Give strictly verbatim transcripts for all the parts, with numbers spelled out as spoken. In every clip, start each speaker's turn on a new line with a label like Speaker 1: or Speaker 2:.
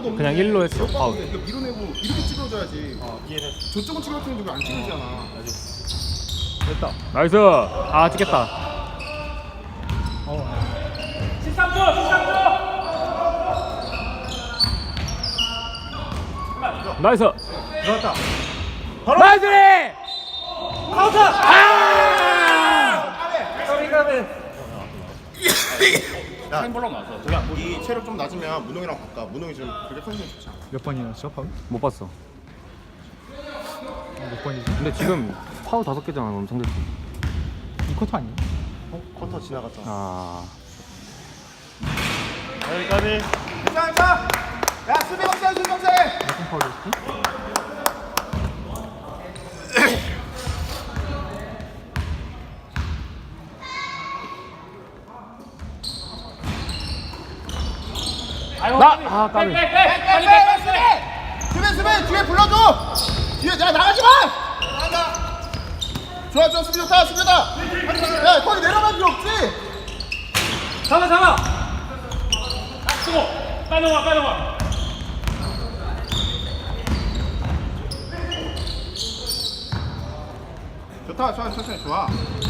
Speaker 1: 아무도 없는데
Speaker 2: 그냥 일로 했어?
Speaker 1: 아,
Speaker 2: 파울.
Speaker 1: 이거 밀어내고 이렇게 찌그러져야지.
Speaker 3: 어, 이해했어.
Speaker 1: 저쪽은 찌그러지는데 왜 안 찌그러지잖아.
Speaker 3: 됐다.
Speaker 2: 나이스. 아 찍겠다.
Speaker 3: 어.
Speaker 4: 십삼 초, 십삼 초.
Speaker 2: 나이스.
Speaker 3: 들어왔다.
Speaker 2: 나이스.
Speaker 3: 카운터!
Speaker 2: 아!
Speaker 3: 까비 까비.
Speaker 1: 야,
Speaker 4: 타임볼로 나왔어. 저기 안 보여.
Speaker 1: 이 체력 좀 낮으면 문홍이랑 바꿔. 문홍이 지금 그렇게 컨디션 좋지 않아.
Speaker 3: 몇 번이었어 파울?
Speaker 2: 못 봤어.
Speaker 3: 몇 번이지?
Speaker 2: 근데 지금 파울 다섯 개잖아. 그럼 상대팀.
Speaker 3: 이 쿼터 아니야?
Speaker 1: 어? 쿼터 지나갔잖아.
Speaker 2: 아.
Speaker 3: 여기까지.
Speaker 1: 괜찮아, 괜찮아. 야, 수비 박사, 수비 박사.
Speaker 3: 무슨 파울이었지?
Speaker 2: 나! 아 까비.
Speaker 4: 백, 백, 백. 빨리 백, 빨리 백.
Speaker 1: 수비, 수비, 뒤에 불러줘. 뒤에, 야, 나가지 마. 좋아, 좋아, 수비 좋다, 수비 좋다. 야, 거기 내려갈 필요 없지.
Speaker 4: 잡아, 잡아. 아, 수고. 빨리 와, 빨리 와.
Speaker 1: 좋다, 좋아, 천천히 좋아.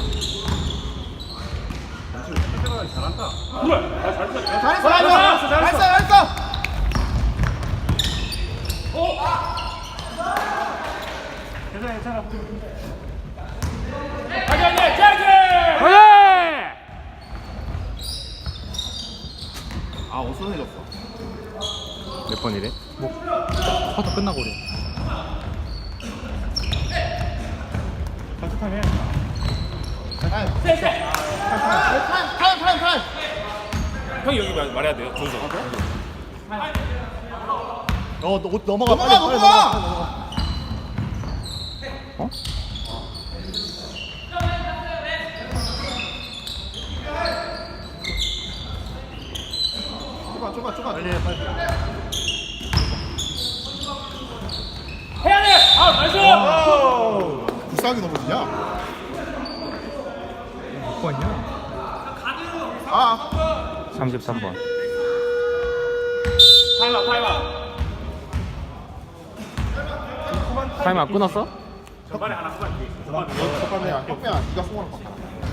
Speaker 4: 잘한다. 그래. 아, 잘했어.
Speaker 1: 야, 잘했어, 잘했어, 잘했어, 잘했어.
Speaker 4: 오.
Speaker 3: 괜찮아 괜찮아.
Speaker 4: 가자, 가자, 짜지.
Speaker 2: 그래!
Speaker 1: 아, 어수선해졌어.
Speaker 2: 몇 번이래?
Speaker 3: 뭐 쿼터 끝나고 그래. 같은 해.
Speaker 1: 타임,
Speaker 4: 세, 세.
Speaker 1: 타임, 타임, 타임, 타임.
Speaker 4: 형이 여기 말, 말해야 돼요. 조조.
Speaker 3: 어, 너, 넘어가.
Speaker 1: 넘어가,
Speaker 3: 빨리, 빨리
Speaker 1: 넘어가.
Speaker 2: 어?
Speaker 1: 좁아, 좁아, 좁아.
Speaker 3: 빨리 해, 빨리.
Speaker 4: 해야 돼. 아, 나이스.
Speaker 1: 불쌍하게 넘어지냐?
Speaker 3: 몇 번이야?
Speaker 1: 아,
Speaker 2: 삼십삼 번.
Speaker 4: 타임아, 타임아.
Speaker 2: 타임 안 끊었어?
Speaker 4: 전반에 하나 후반 뒤에 있어.
Speaker 1: 잠깐만, 야, 혁배야, 네가 승호랑 바꿔.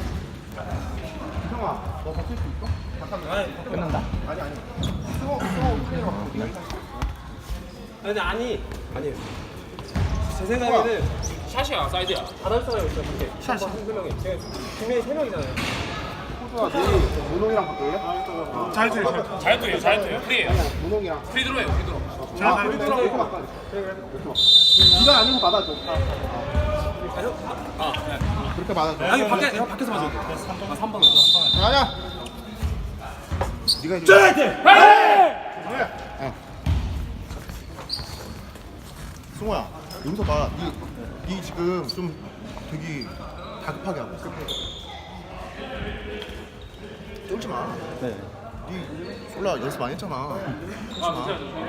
Speaker 1: 형아, 너 바뀔 수 있어? 잠깐만.
Speaker 2: 끊는다.
Speaker 1: 아니, 아니. 승호, 승호, 승호랑 바꿔. 네가 일단.
Speaker 5: 근데 아니 아니 제 생각에는
Speaker 4: 샷이야, 사이드야.
Speaker 5: 다른 사람이 있어 근데 샷이 한 명이 제가 분명히 세 명이잖아요.
Speaker 1: 호수아, 네 문홍이랑 바꿀래?
Speaker 3: 잘 돼, 잘 돼.
Speaker 4: 자유투예요, 자유투예요. 프리예요.
Speaker 1: 문홍이랑.
Speaker 4: 프리 들어요, 프리 들어.
Speaker 1: 아, 이렇게 이렇게 바꿔. 네가 아니고 받아줘.
Speaker 4: 아, 네.
Speaker 1: 그렇게 받아줘.
Speaker 5: 아니 밖에 형 밖에서 맞아. 아 삼 번.
Speaker 1: 아니야. 네가 이제. 어. 승호야, 여기서 봐. 네, 네 지금 좀 되게 다급하게 하고 있어. 쫄지 마.
Speaker 3: 네.
Speaker 1: 네 솔라 연습 많이 했잖아. 쫄지 마.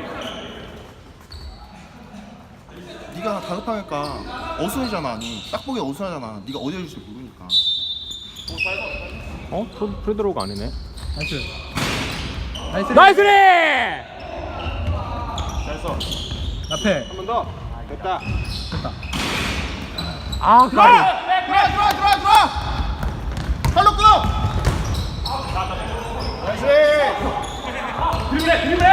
Speaker 1: 네가 다급하니까 어수선이잖아. 니 딱 보기 어수선하잖아. 네가 어디 해줄지 모르니까.
Speaker 2: 어? 프리- 프리드로우가 아니네.
Speaker 3: 나이스. 나이스.
Speaker 2: 나이스리!
Speaker 3: 앞에.
Speaker 1: 한 번 더. 됐다.
Speaker 3: 됐다.
Speaker 2: 아 까비.
Speaker 1: 들어와 들어와 들어와 들어와. 팔로 끊어. 나이스.
Speaker 4: 드리블해, 드리블해.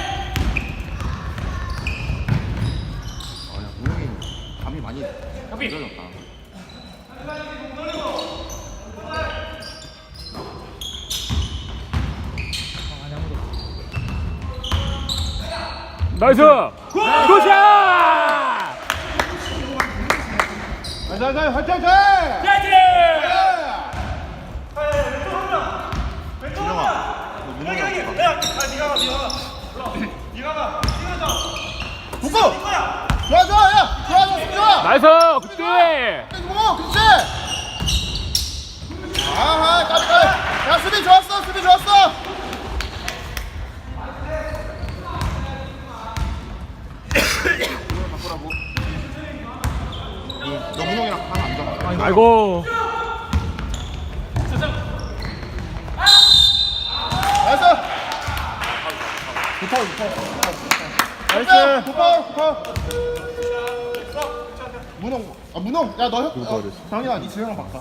Speaker 1: 아야 문영이 감이 많이
Speaker 4: 커피.
Speaker 1: 늦어졌다.
Speaker 3: 아니 아무도.
Speaker 2: 나이스! 굿샷!
Speaker 1: 잘잘잘 화이팅 화이팅.
Speaker 4: 짜지.
Speaker 1: 준영아, 너 문영이랑 가. 복구. 좋아 좋아 야 좋아 좋아 좋아.
Speaker 2: 나이스! 굿대!
Speaker 1: 뭐 그렇지. 아하 까비 까비. 야 수비 좋았어 수비 좋았어. 바꾸라고. 너 문홍이랑 하나 안 잡아.
Speaker 2: 아이고.
Speaker 1: 나이스. 좋다 좋다. 나이스. 굿파울, 굿파울. 문홍, 아 문홍, 야 너 형, 어, 장현아, 니 지영이랑 바꿔.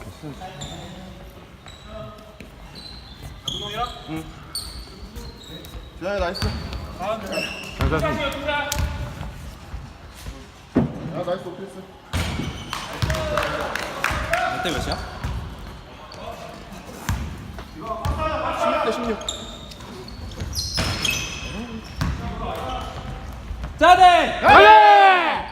Speaker 4: 문홍이랑?
Speaker 1: 응. 지영이 나이스.
Speaker 2: 장사님.
Speaker 1: 야 나이스 오피스.
Speaker 5: 몇대 몇이야?
Speaker 1: 십육 대 십육.
Speaker 5: 자대!
Speaker 2: 화이팅!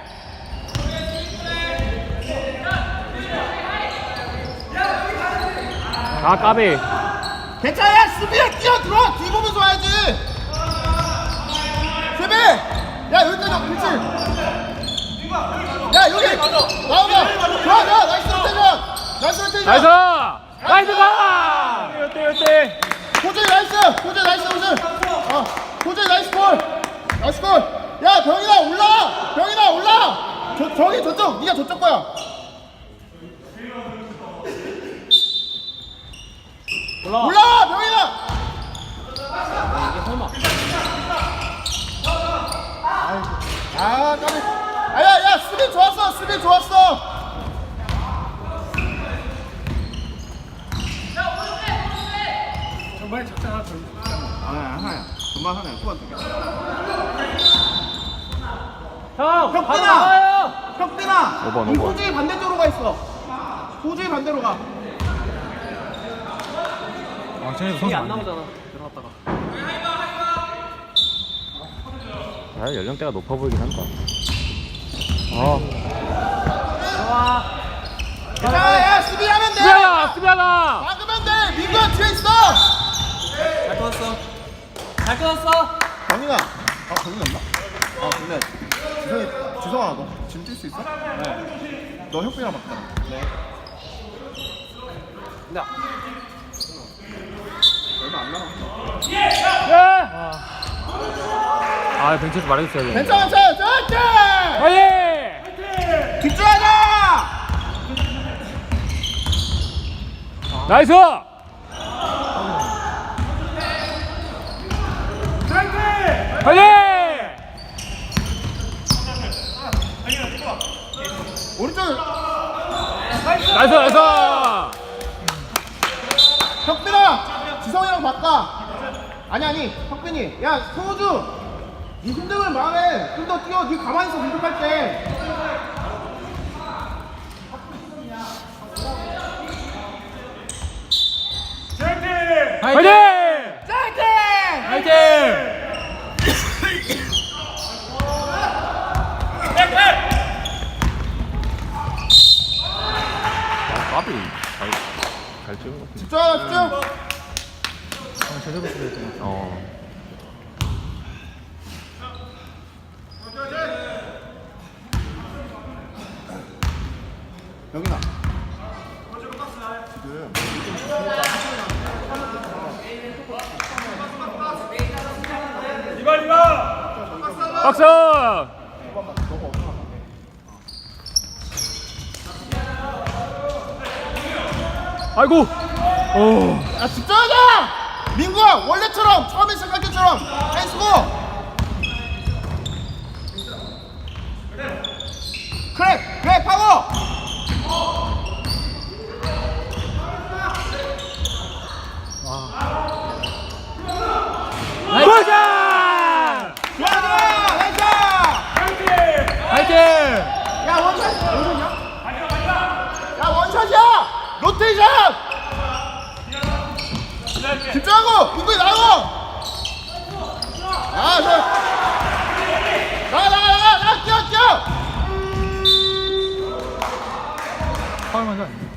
Speaker 2: 아 까비.
Speaker 1: 괜찮아, 야 수비에 뛰어 들어. 뒤 보면서 와야지. 수비. 야 여기까지 와, 그렇지. 야 여기 나오봐. 좋아, 좋아, 나이스 로테이션. 나이스 로테이션.
Speaker 2: 나이스. 나이스 가.
Speaker 3: 어때 어때?
Speaker 1: 호재 나이스. 호재 나이스 호재. 어, 호재 나이스 골. 나이스 골. 야 병인아 올라. 병인아 올라. 저 저기 저쪽. 네가 저쪽 거야.
Speaker 5: 올라와.
Speaker 1: 올라 병인아.
Speaker 5: 이게 설마.
Speaker 1: 아 까비. 아야 야 수비 좋았어. 수비 좋았어.
Speaker 3: 정말 작전 하나 더.
Speaker 1: 하나야 하나야. 금방 하나야. 후반 두 개.
Speaker 5: 형! 바로
Speaker 1: 혁빈아!
Speaker 5: 나가요!
Speaker 1: 혁빈아!
Speaker 2: 오번,
Speaker 1: 이
Speaker 2: 오번.
Speaker 1: 호주의 반대쪽으로 가 있어. 호주의 반대로 가.
Speaker 3: 아 쟤네도
Speaker 5: 이게
Speaker 3: 선수
Speaker 5: 안
Speaker 3: 많네.
Speaker 5: 나오잖아. 들어갔다가.
Speaker 2: 아 연령대가 높아 보이긴 한다. 아.
Speaker 5: 좋아.
Speaker 1: 자, 야 수비하면 돼.
Speaker 2: 수비하다 수비하다.
Speaker 1: 막으면 돼. 민규야 뒤에 있어.
Speaker 5: 잘 끊었어. 잘 끊었어.
Speaker 1: 병인아. 아 병인 없나? 아 근데 지성이 지성아 너 지금 뛸 수 있어? 네. 너 혁빈이랑 바꿔. 네.
Speaker 5: 나.
Speaker 1: 얼마 안 남았어.
Speaker 2: 아 벤치에서 말해줬어야 돼.
Speaker 1: 괜찮아, 괜찮아, 괜찮아.
Speaker 2: 화이팅!
Speaker 1: 집중하자.
Speaker 2: 나이스! 화이팅!
Speaker 1: 오른쪽
Speaker 2: 나이스 나이스!
Speaker 1: 혁빈아. 지성이랑 바꿔. 아니 아니 혁빈이. 야 소우주. 네 힘듦을 마음에 좀 더 뛰어. 네 가만히 있어 공격할 때.
Speaker 2: 화이팅!
Speaker 1: 짜이팅!
Speaker 3: 화이팅!
Speaker 2: 까비 잘잘 찍은 것 같은데.
Speaker 1: 집중하자 집중.
Speaker 3: 아 제대로 쓰려 했잖아.
Speaker 2: 어.
Speaker 1: 여기나. 지금
Speaker 4: 이봐 이봐.
Speaker 2: 박수! 아이고. 오.
Speaker 1: 야 집중하자! 민구야 원래처럼 처음에 시작할 때처럼 펜스고 그래 그래 파워.
Speaker 2: 보자!
Speaker 1: 좋아 좋아 나이스.
Speaker 3: 화이팅!
Speaker 1: 야 원샷 원샷이야? 야 원샷이야 로테이션. 집중하고 민구야 나가고. 아 좋아. 나가 나가 나가 나가 뛰어 뛰어.
Speaker 3: 파울 먼저 아니야?